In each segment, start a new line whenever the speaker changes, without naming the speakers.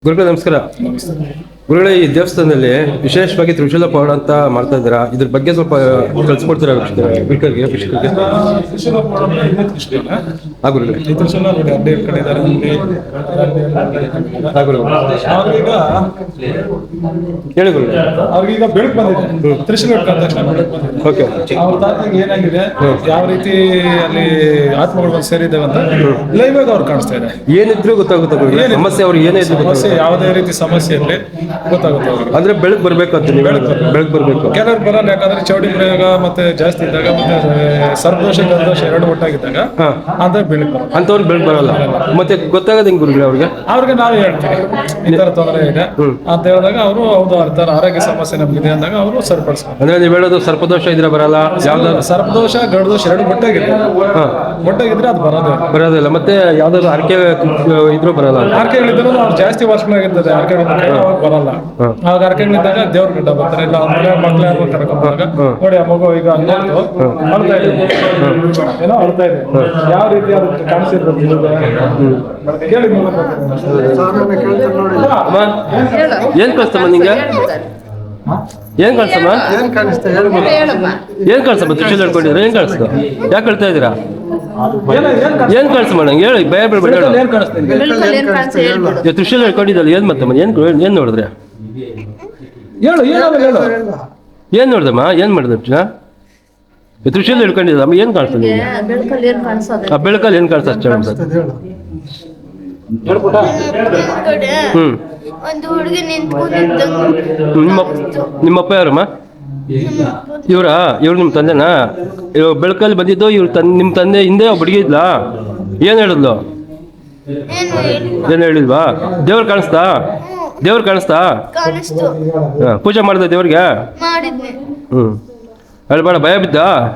ಗುರುಗಳೇ ನಮಸ್ಕಾರ. ಗುರುಗಳೇ, ಈ ದೇವಸ್ಥಾನದಲ್ಲಿ ವಿಶೇಷವಾಗಿ ತ್ರಿಶೂಲ ಪೌಡ ಅಂತ ಮಾಡ್ತಾ ಇದ್ದೀರಾ, ಇದ್ರ ಬಗ್ಗೆ ಸ್ವಲ್ಪ ಕಳ್ಸಿಕೊಡ್ತೀರಾ ವೀಕ್ಷಕರಿಗೆ? ಹೇಳಿ ಗುರುಗಳೇ.
ಅವ್ರಿಗೀಗ ಬೆಳಕು ಬಂದಿದೆ, ತ್ರಿಶೂಲ
ಓಕೆ.
ಅವ್ರ ತಾತಂಗೆ ಏನಾಗಿದೆ, ಯಾವ ರೀತಿ ಅಲ್ಲಿ ಆತ್ಮಗಳು ಬಂದು ಸೇರಿದ್ದಾವೆ ಅಂತ ಲೈವ್ ಆಗಿ ಅವ್ರು ಕಾಣಿಸ್ತಾ ಇದೆ.
ಏನಿದ್ರು ಗೊತ್ತಾಗುತ್ತೆ ಗುರುಗಳೇ, ಸಮಸ್ಯೆ ಅವ್ರಿಗೆ ಏನೇ ಇದ್ರು
ಸಮಸ್ಯೆ, ಯಾವುದೇ ರೀತಿ ಸಮಸ್ಯೆ ಇರಲಿ ಗೊತ್ತಾಗುತ್ತೆ ಅವ್ರಿಗೆ.
ಅಂದ್ರೆ ಬೆಳಕು ಬರ್ಬೇಕು ಅಂತ, ಬೆಳಕು ಬರ್ಬೇಕು.
ಕೆಲವ್ರು ಬರಲ್ಲ, ಯಾಕಂದ್ರೆ ಚೌಡಿ ಪ್ರಯೋಗ ಮತ್ತೆ ಜಾಸ್ತಿ ಇದ್ದಾಗ, ಮತ್ತೆ ಸರ್ಪದೋಷ ಗರ್ದೋಷ ಎರಡು ಒಟ್ಟಾಗಿದ್ದಾಗ ಅಂದ್ರೆ ಬೆಳಕು ಬರಲ್ಲ.
ಅಂತವ್ರಿಗೆ ಬೆಳಕು ಬರಲ್ಲ. ಮತ್ತೆ ಗೊತ್ತಾಗದ ಹೆಂಗ್ ಗುರುಗಳೇ
ಅವ್ರಿಗೆ ನಾವೇ ಹೇಳ್ತೀವಿ ಈ ತರ ತೊಂದರೆ ಇದೆ ಅಂತ ಹೇಳಿದಾಗ ಅವರು ಹೌದು ಆ ತರ ಆರೋಗ್ಯ ಸಮಸ್ಯೆ ನಮ್ಗಿದೆ ಅಂದಾಗ ಅವರು ಸರಿಪಡಿಸ್ತಾರೆ.
ಅಂದ್ರೆ ನೀವು ಹೇಳೋದು ಸರ್ಪದೋಷ ಇದ್ರೆ ಬರಲ್ಲ, ಯಾವ್ದಾದ್ರು
ಸರ್ಪದೋಷ ಗರ್ದೋಷ ಎರಡು ಒಟ್ಟಾಗಿದೆ, ಒಟ್ಟಾಗಿದ್ರೆ ಅದು
ಬರೋದಿಲ್ಲ. ಮತ್ತೆ ಯಾವ್ದಾದ್ರು ಅರ್ಕೆ ಇದ್ರೂ ಬರಲ್ಲ.
ಆರ್ಕೆಗಳಿದ್ರು ಅವ್ರು ಜಾಸ್ತಿ ವರ್ಷಗಳಾಗಿರ್ತದೆ, ಆರ್ಕೆಗಳಿದ್ದಾಗ ಅವಾಗ ಬರಲ್ಲ. ಆವಾಗ ಆರ್ಕೆಗಳಿದ್ದಾಗ ದೇವ್ರ ಗಿಡ್ಡ ಬರ್ತಾರೆ, ಇಲ್ಲ ಅವ್ರ ಮಕ್ಳು ಯಾರು ಕರ್ಕೊಂಡಾಗ ನೋಡಿ ಆ ಮಗು ಈಗ ಅಳ್ತಾ ಇದೆ, ಏನೋ ಅಳ್ತಾ ಇದೆ, ಯಾವ ರೀತಿ ಅದಕ್ಕೆ ಕಾಣಿಸಿರ್ಬೇಕು ಕೇಳಿ.
ಏನ್ ಕಳ್ಸಮ್ಮ ನಿಂಗೆ? ಏನ್ ಕಳ್ಸಮ್ಮ? ಏನ್ ಕಳ್ಸಮ್ಮ? ತ್ರಿಶೂಲ ಹಿಡ್ಕೊಂಡಿದ್ರೆ ಏನ್ ಕಳ್ಸ್ತು? ಯಾಕೆ ಕಳ್ತಾ ಇದ್ದೀರಾ? ಏನ್ ಕಳ್ಸಮ್ಮ ನಂಗೆ ಹೇಳಿ, ಭಯ ಬಿಡ್ಬೇಡಿ. ತ್ರಿಶೂಲ ಹಿಡ್ಕೊಂಡಿದ್ದಲ್ಲ, ಏನ್ ಮತ್ತಮ್ಮ? ಏನ್ ನೋಡಿದ್ರೆ? ಏನ್ ನೋಡ್ದಮ್ಮ? ಏನ್ ಮಾಡಿದ? ತ್ರಿಶೂಲ ಹಿಡ್ಕೊಂಡಿದ್ದಮ್ಮ, ಏನ್ ಕಾಣಿಸ್ತದೆ? ಬೆಳಕಲ್ಲಿ ಏನ್ ಕಾಣಿಸ್ತದೆ?
ಒಂದು ಹುಡುಗಿ ನಿಂತ್ಕೊಂಡಿದ್ದ.
ನಿಮ್ಮಪ್ಪ ಯಾರಮ್ಮ? ಇವ್ರು ನಿಮ್ಮ ತಂದೆನಾ? ಬೆಳಕಲ್ಲಿ ಬಂದಿದ್ದು ಇವ್ರು ನಿಮ್ಮ ತಂದೆ ಹಿಂದೆ ಒಬ್ಬ ಹುಡುಗಿ ಇದ್ಲಾ? ಏನ್ ಹೇಳಿದ್ಲು? ಏನ್ ಹೇಳಿಲ್ವಾ? ದೇವ್ರು ಕಾಣಿಸ್ತಾ? ದೇವ್ರು ಕಾಣಿಸ್ತಾ? ಪೂಜೆ ಮಾಡಿದ ದೇವ್ರಿಗೆ? ಹೇಳ್ಬೇಡ, ಭಯ ಬಿದ್ದ?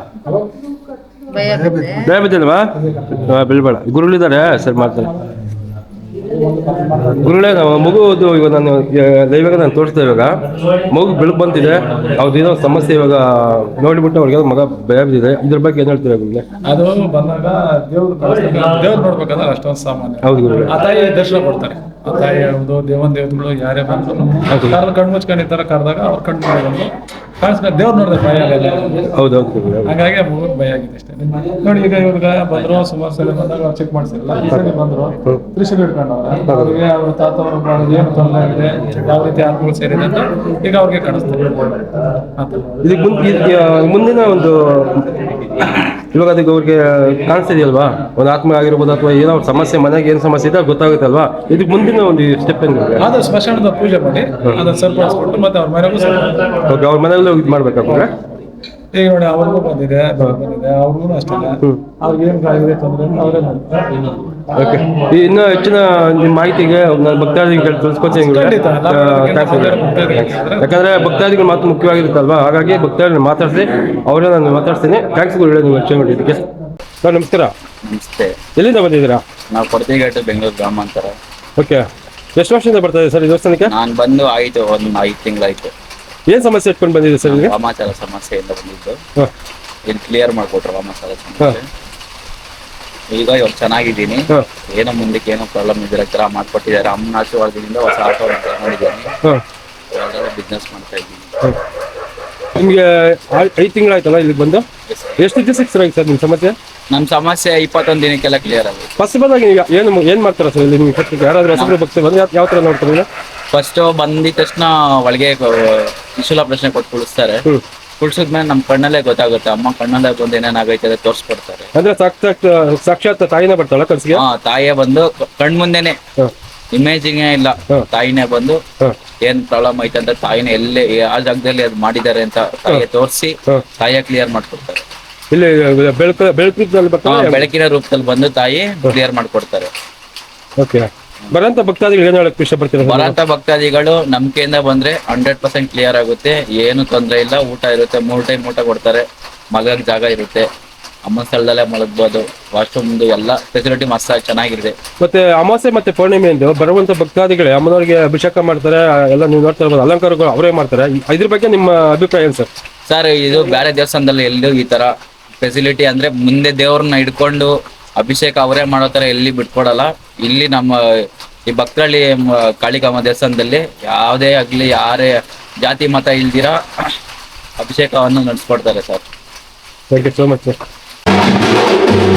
ಭಯ ಬಿದ್ದಲ್ವಾ? ಬೀಳ್ಬೇಡ. ಗುರುಗಳಿದ್ದಾರೆ, ಸರಿ ಮಾಡ್ತಾರೆ. ಗುರುಗಳೇ, ಮಗುದು ಇವಾಗ ನಾನು ತೋರಿಸ್ದೆ. ಇವಾಗ ಮಗು ಬೆಳಕು ಬಂತಿದೆ, ಅವ್ರದ್ದೇನೋ ಸಮಸ್ಯೆ ಇವಾಗ ನೋಡಿಬಿಟ್ಟು ಅವ್ರಿಗೆ ಮಗ ಭಯ ಬಿದ್ದಿದೆ. ಇದ್ರ ಬಗ್ಗೆ ಏನ್ ಹೇಳ್ತೀರಾ ಗುರುಗಳೇ?
ಅದು ಬಂದಾಗ ದೇವ್ರು ನೋಡ್ಬೇಕಂದ್ರೆ ಅಷ್ಟೊಂದು ಸಾಮಾನ್ಯ.
ಹೌದು ಗುರುಗಳೇ.
ಆ ತಾಯಿ ದರ್ಶನ ಕೊಡ್ತಾರೆ. ಆ ತಾಯಿ ಯಾವುದು ದೇವತೆಗಳು ಯಾರೇ ಬಂದ್ರು ಕಣ್ಣು ಮುಚ್ಕೊಂಡಿರ್ತಾರ, ಕರೆದಾಗ ಅವ್ರ ಕಣ್ಣು ಬಂದು ಕಾಣಿಸ್ಕೊಂಡು ದೇವ್ರು ನೋಡಿದ್ರೆ ಭಯ ಆಗಲ್ಲ.
ಹೌದೌದು ಗುರುಗಳೇ.
ಹಾಗಾಗಿ ಆ ಮಗುಗೆ ಭಯ ಆಗಿದೆ ಅಷ್ಟೇ. ನೋಡಿ, ಈಗ ಇವ್ರಿಗೆ ಬಂದ್ರು, ಸುಮಾರು ಸಲ ಬಂದಾಗ ಅವ್ರು ಚೆಕ್ ಮಾಡಿಸಿರಲ್ಲ, ಈ ಸಲ ಬಂದ್ರು ತ್ರಿಶೂಲ ಹಿಡ್ಕೊಂಡವ್ರೆ. ಅವ್ರಿಗೆ ಅವ್ರ ತಾತ ಏನು ತೊಂದರೆ ಆಗಿದೆ, ಯಾವ ರೀತಿ ಆತ್ಮಗಳು ಸೇರಿದೆ ಅಂತ ಈಗ ಅವ್ರಿಗೆ ಕಾಣಿಸ್ತಾರೆ.
ಇದಕ್ಕೆ ಮುಂದಿನ ಒಂದು ಇವಾಗ ಅದಕ್ಕೆ ಅವ್ರಿಗೆ ಕಾಣಿಸ್ತಿದೆಯಲ್ವಾ, ಒಂದು ಆತ್ಮ ಆಗಿರ್ಬೋದು ಅಥವಾ ಏನೋ ಸಮಸ್ಯೆ, ಮನೆಗೆ ಏನು ಸಮಸ್ಯೆ ಇದೆ ಗೊತ್ತಾಗುತ್ತಲ್ವಾ? ಇದಕ್ಕೆ ಮುಂದಿನ ಒಂದು ಸ್ಟೆಪ್ ಏನಿದೆ?
ಅದು ಸ್ಮಶಾನದ ಪೂಜೆ ಮಾಡಿ ಅದನ್ನ ಸರಿಪಡಿಸ್ಬಿಟ್ಟು ಮತ್ತೆ ಅವ್ರ ಮನೆಗೂ
ಓಕೆ, ಅವ್ರ ಮನೆಯಲ್ಲೂ ಇದು ಮಾಡ್ಬೇಕಾದ್ರೆ
ಈಗ ನೋಡಿ ಅವ್ರಿಗೂ ಬಂದಿದೆ, ಅವ್ರಿಗೂ ಅಷ್ಟೇ. ಅವ್ರಿಗೆ ಏನ್ ಆಗಿದೆ ತೊಂದರೆ ಅವರೇ ಮಾಡ್ತಾರೆ.
ಓಕೆ, ಇನ್ನೂ ಹೆಚ್ಚಿನ ನಿಮ್ಮ ಮಾಹಿತಿಗೆ ನಾನು ಭಕ್ತಾದಿಗಳಿಗೆ ತಿಳಿಸ್ಕೊತೀನಿ. ಯಾಕಂದ್ರೆ ಭಕ್ತಾದಿಗಳು ಮಾತು ಮುಖ್ಯವಾಗಿರುತ್ತಲ್ವಾ, ಹಾಗಾಗಿ ಭಕ್ತಾದಿಗಳು ಮಾತಾಡಿಸಿ ಅವರೇ ನಾನು ಮಾತಾಡ್ತೀನಿ. ಥ್ಯಾಂಕ್ಸ್ ಗುರುಗಳೇ, ನೀವು ಹೆಚ್ಚು ಮಾಡಿದ್ದಕ್ಕೆ. ಸರ್ ನಮಸ್ಕಾರ.
ನಮಸ್ತೆ.
ಎಲ್ಲಿಂದ ಬಂದಿದ್ದೀರಾ?
ನಾವು ಕೊಡತಿಘಾಟು, ಬೆಂಗಳೂರು ಗ್ರಾಮಾಂತರ.
ಓಕೆ, ಎಷ್ಟು ವರ್ಷದಿಂದ ಬರ್ತಾ ಇದೆ ಸರ್ ಈ ದೇವಸ್ಥಾನಕ್ಕೆ?
ನಾನು ಬಂದು ಆಯ್ತು, ಒಂದು 5 ತಿಂಗಳಾಯ್ತು.
ಏನ್ ಸಮಸ್ಯೆ ಇಟ್ಕೊಂಡು ಬಂದಿದೆ ಸರ್?
ವಾಮಾಚಾರ ಸಮಸ್ಯೆಯಿಂದ ಬಂದಿದ್ದು, ಇಲ್ಲಿ ಕ್ಲಿಯರ್ ಮಾಡ್ಕೊಟ್ರು ವಾಮಾಚಾರ ಸಮಸ್ಯೆ. ಈಗ ಇವಾಗ ಚೆನ್ನಾಗಿದ್ದೀನಿ, ಏನೋ ಮುಂದಕ್ಕೆ ಏನೋ ಪ್ರಾಬ್ಲಮ್ ಇದ್ರೆ ತರ ಮಾಡ್ಕೊಟ್ಟಿದ್ದಾರೆ. ಅಮ್ಮನ ಆಶೀರ್ವಾದದಿಂದ ಹೊಸ ಆಟೋ ತಗೊಂಡಿದ್ದೀನಿ, ಬಿಸ್ನೆಸ್ ಮಾಡ್ತಾ ಇದ್ದೀನಿ.
ನಿಮ್ಗೆ 5 ತಿಂಗಳಾಯ್ತಲ್ಲ ಇಲ್ಲಿಗೆ ಬಂದು? ಎಷ್ಟು ದಿವಸಕ್ಕೆ ಸರ್ ಆಯ್ತು ಸರ್ ನಿಮ್ಮ ಸಮಸ್ಯೆ?
ನಮ್ಮ ಸಮಸ್ಯೆ 21 ದಿನಕ್ಕೆಲ್ಲ ಕ್ಲಿಯರ್ ಆಗಿದೆ.
ಫಸ್ಟ್ ಬಂದಾಗ ಏನ್ ಮಾಡ್ತಾರ ಸರ್ ಇಲ್ಲಿ? ನಿಮ್ಗೆ ಯಾರಾದ್ರೂ ಹೆಸರು ಭಕ್ತಿ ಬಂದು ಯಾವ ತರ ನೋಡ್ತಾರೆ?
ಫಸ್ಟ್ ಬಂದಿದ ತಕ್ಷಣ ಒಳಗೆ ತ್ರಿಶೂಲ ಪ್ರಶ್ನೆ ಕೊಟ್ಟು ಕುಳಿಸ್ತಾರೆ. ಕುಳ್ಸಿದ್ಮೇಲೆ ನಮ್ಮ ಕಣ್ಣಲ್ಲೇ ಗೊತ್ತಾಗುತ್ತೆ, ಅಮ್ಮ ಕಣ್ಣಲ್ಲೇ ಬಂದು ಏನೇನಾಗೈತೆ ಅದೇ ತೋರಿಸ್ಕೊಡ್ತಾರೆ.
ಅಂದ್ರೆ ಸಾಕ್ಷಾತ್ ತಾಯಿನೇ ಬರ್ತಾಳ ಕಳ್ಸಿಗೆ?
ತಾಯಿಯೇ ಬಂದು ಕಣ್ ಮುಂದೆನೆ, ಇಮೇಜಿಂಗ್ ಇಲ್ಲ, ತಾಯಿನೇ ಬಂದು ಏನ್ ಪ್ರಾಬ್ಲಮ್ ಐತೆ ಅಂತ ತಾಯಿನೇ ಎಲ್ಲೇ ಆ ಜಾಗದಲ್ಲಿ ಅದು ಮಾಡಿದ್ದಾರೆ ಅಂತ ತಾಯಿಗೆ ತೋರಿಸಿ ತಾಯಿಯ ಕ್ಲಿಯರ್ ಮಾಡ್ಕೊಡ್ತಾರೆ.
ಇಲ್ಲಿ
ಬೆಳಕಿನ ರೂಪದಲ್ಲಿ ಬಂದು ತಾಯಿ ಕ್ಲಿಯರ್ ಮಾಡ್ಕೊಡ್ತಾರೆ.
ಓಕೆ, ಬರಂತ ಭಕ್ತಾದಿಗಳು ಏನ್ ಹೇಳಕ್ ಇಷ್ಟಪಡ್ತೀರಾ?
ಬರಂತ ಭಕ್ತಾದಿಗಳು ನಂಬಿಕೆಯಿಂದ ಬಂದ್ರೆ 100% ಕ್ಲಿಯರ್ ಆಗುತ್ತೆ, ಏನು ತೊಂದರೆ ಇಲ್ಲ. ಊಟ ಇರುತ್ತೆ, 3 ಟೈಮ್ ಊಟ ಕೊಡ್ತಾರೆ, ಮಲಗಕ್ ಜಾಗ ಇರುತ್ತೆ, ಅಮ್ಮನ ಸ್ಥಳದಲ್ಲೇ ಮಲಗ್ಬೋದು, ವಾಶ್ರೂಮ್ ಎಲ್ಲ ಫೆಸಿಲಿಟಿ ಮಸ್ತ್ ಚೆನ್ನಾಗಿದೆ.
ಮತ್ತೆ ಅಮಾವಾಸ್ಯೆ ಮತ್ತೆ ಪೌರ್ಣಿಮೆ ಎಂದು ಬರುವಂತ ಭಕ್ತಾದಿಗಳೇ ಅಮ್ಮನವ್ರಿಗೆ ಅಭಿಷೇಕ ಮಾಡ್ತಾರೆ, ಎಲ್ಲ ನೀವು ನೋಡ್ತಾ ಇರ್ಬೋದು, ಅಲಂಕಾರಗಳು ಅವರೇ ಮಾಡ್ತಾರೆ. ಇದ್ರ ಬಗ್ಗೆ ನಿಮ್ಮ ಅಭಿಪ್ರಾಯ ಏನು ಸರ್?
ಸರ್, ಇದು ಬೇರೆ ದೇವಸ್ಥಾನದಲ್ಲಿ ಎಲ್ಲೂ ಈ ತರ ಫೆಸಿಲಿಟಿ ಅಂದ್ರೆ ಮುಂದೆ ದೇವ್ರನ್ನ ಹಿಡ್ಕೊಂಡು ಅಭಿಷೇಕ ಅವರೇ ಮಾಡೋ ತರ ಎಲ್ಲಿ ಬಿಟ್ಕೊಡಲ್ಲ. ಇಲ್ಲಿ ನಮ್ಮ ಈ ಭಕ್ತರಳ್ಳಿ ಕಾಳಿಕಾಂಬ ದೇವಸ್ಥಾನದಲ್ಲಿ ಯಾವುದೇ ಆಗಲಿ ಯಾರೇ ಜಾತಿ ಮತ ಇಲ್ದಿರ ಅಭಿಷೇಕವನ್ನು ನಡೆಸ್ಕೊಡ್ತಾರೆ sir.
Thank you so much sir.